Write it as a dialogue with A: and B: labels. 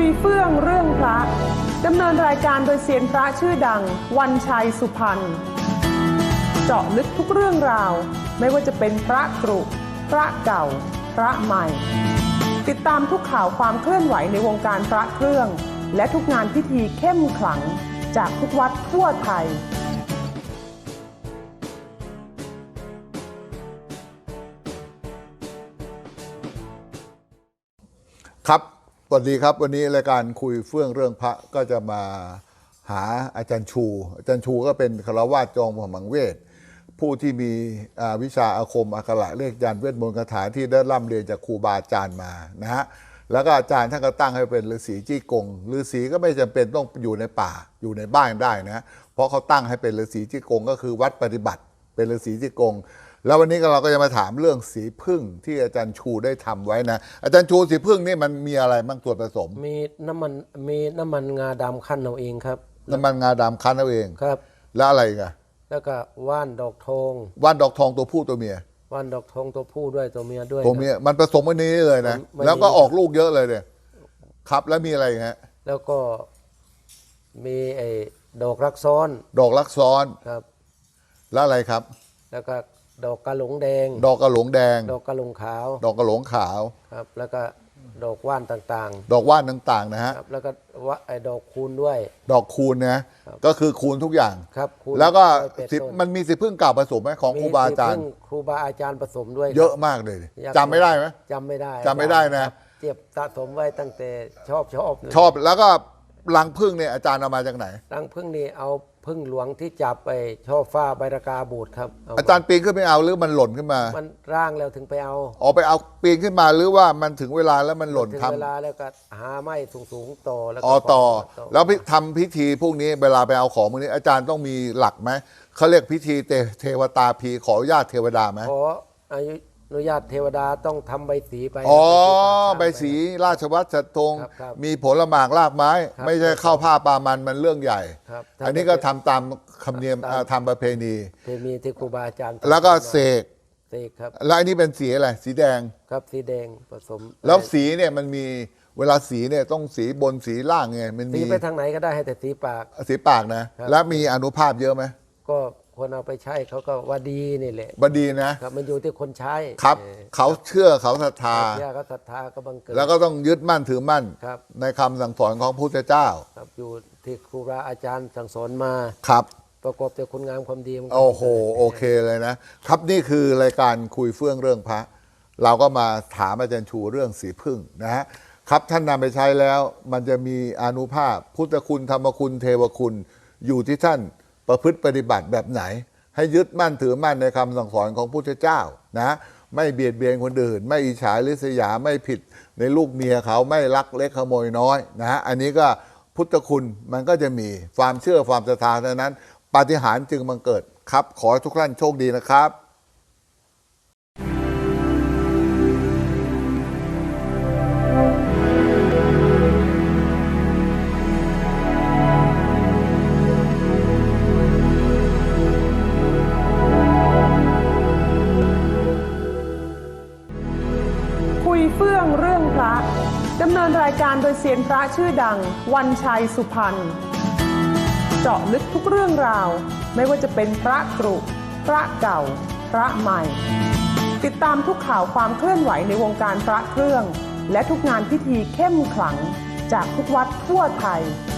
A: ยเฟื่องเรื่องพระดำเนินรายการโดยเซียนพระชื่อดังวันชัยสุพรรณเจาะลึกทุกเรื่องราวไม่ว่าจะเป็นพระกรุพระเก่าพระใหม่ติดตามทุกข่าวความเคลื่อนไหวในวงการพระเครื่องและทุกงานพิธีเข้มขลังจากทุกวัดทั่วไทย
B: ครับสวัสดีครับวันนี้รายการคุยเฟื่องเรื่องพระก็จะมาหาอาจารย์ชูก็เป็นฆราวาสจอมขมังเวทผู้ที่มีวิชาอาคมอักขระเลขยันต์เวทมนต์คาถาที่ได้ร่ำเรียนจากครูบาอาจารย์มานะฮะแล้วก็อาจารย์ท่านก็ตั้งให้เป็นฤาษีจี้กงฤาษีก็ไม่จำเป็นต้องอยู่ในป่าอยู่ในบ้านได้นะเพราะเขาตั้งให้เป็นฤาษีจี้กงก็คือวัดปฏิบัติเป็นฤาษีจี้กงแล้ววันนี้เราก็จะมาถามเรื่องสีพึ่งที่อาจารย์ชูได้ทำไว้นะอาจารย์ชูสีพึ่งนี่มันมีอะไรบ้างส่วนผสม
C: มีน้ำมันงาดำคั้นเอาเองครับ
B: น้ำมันงาดำคั้นเอาเอง
C: ครับ
B: แล้วอะไรอีกัน
C: แล้วก็ว่านดอกทอง
B: ว่านดอกทองตัวผู้ตัวเมีย
C: ว่านดอกทองตัวผู้ด้วยตัวเมียด้วย
B: ตัวเมียมันผสมวันนี้เลยนะแล้วก็ออกลูกเยอะเลยเนี่ยครับแล้วมีอะไรฮะ
C: แล้วก็มีไอ้ดอกรักซ้อน
B: ดอกรักซ้อน
C: ครับ
B: แล้วอะไรครับ
C: แล้วก็ดอกกระหลงแดง
B: ดอกกระหลงแดง
C: ดอกกระหลงขาว
B: ดอกกระหลงขาว
C: ครับแล้วก็ดอกว่านต่าง
B: ๆดอกว่านต่างๆนะฮะ
C: แล้วก็ไอ้ดอกคูณด้วย
B: ดอกคูณนะก็คือคูณทุกอย่าง
C: ครับ
B: แล้วก็มันมีสีพึ่งเก่าผสมไหมของครูบาอาจารย์
C: ครูบาอาจารย์ผสมด้วย
B: เยอะมากเลยจำไม่ได้ไหม
C: จำไม่
B: ได้นะ
C: เจ็บสะสมไว้ตั้งแต่ชอบ
B: แล้วก็รังพึ่งเนี่ยอาจารย์เอามาจากไหน
C: รังพึ่งนี่เอาพึ่งหลวงที่จับไปช่อฟ้าใบรากาบูดครับ
B: อาจารย์ปีนขึ้นไปเอาหรือมันหล่นขึ้นมา
C: มันร่างแล้วถึงไปเอา
B: ไปเอาปีนขึ้นมาหรือว่ามันถึงเวลาแล้วมันหล่น
C: ถึงเวลาแล้วก็หาไม้สูงต่อแล้ว
B: ต่อแล้วทำพิธีพวกนี้เวลาไปเอาของพวกนี้อาจารย์ต้องมีหลักไหมเขาเรียกพิธีเทวตาพีขออนุญาตเทวดาไหม
C: ขออนุญาตเทวดาต้องทำใบสีไป
B: ใบสีราชวัตรสัตธงมีผลหมากรากไม้ไม่ใช่เข้าผ้าปามันเรื่องใหญ่อันนี้ก็ทำตามคำเนียมทำประเพณี
C: ที่ครูบาอาจารย์
B: แล้วก็เสก
C: ครับ
B: แล้วอันนี้เป็นสีอะไรสีแดง
C: ครับสีแดงผสม
B: แล้วสีเนี่ยมันมีเวลาสีเนี่ยต้องสีบนสีล่างไงมันมี
C: สีไปทางไหนก็ได้ให้แต่
B: สีปากนะแล้วมีอานุภาพเยอะไหม
C: ก็คนเอาไปใช้เขาก็ว่าดีนี่แหละ
B: ว่าดีนะครับ
C: มันอยู่ที่คนใช้
B: ครับเขาเชื่อเขาศรัทธา
C: เขาศรัทธาก็บังเกิด
B: แล้วก็ต้องยึดมั่นถือมั่นในคำสั่งสอนของพระพุทธเจ้า
C: ครับอยู่ที่ครูบาอาจารย์สั่งสอนมา
B: ครับ
C: ประกอบแต่คุณงามความดี
B: โอ้โหโอเคเลยนะครับนี่คือรายการคุยเฟื่องเรื่องพระเราก็มาถามอาจารย์ชูเรื่องสีพึ่งนะฮะครับท่านนำไปใช้แล้วมันจะมีอานุภาพพุทธคุณธรรมคุณเทวคุณอยู่ที่ท่านประพฤติปฏิบัติแบบไหนให้ยึดมั่นถือมั่นในคำสั่งสอนของพระพุทธเจ้านะไม่เบียดเบียนคนอื่นไม่อิจฉาริษยาไม่ผิดในลูกเมียเขาไม่ลักเล็กขโมยน้อยนะฮะอันนี้ก็พุทธคุณมันก็จะมีความเชื่อความศรัทธาเท่านั้นปาฏิหาริย์จึงบังเกิดครับขอให้ทุกท่านโชคดีนะครับ
A: เฟื่องเรื่องพระดำเนินรายการโดยเซียนพระชื่อดังวันชัยสุพรรณเจาะลึกทุกเรื่องราวไม่ว่าจะเป็นพระกรุพระเก่าพระใหม่ติดตามทุกข่าวความเคลื่อนไหวในวงการพระเครื่องและทุกงานพิธีเข้มขลังจากทุกวัดทั่วไทย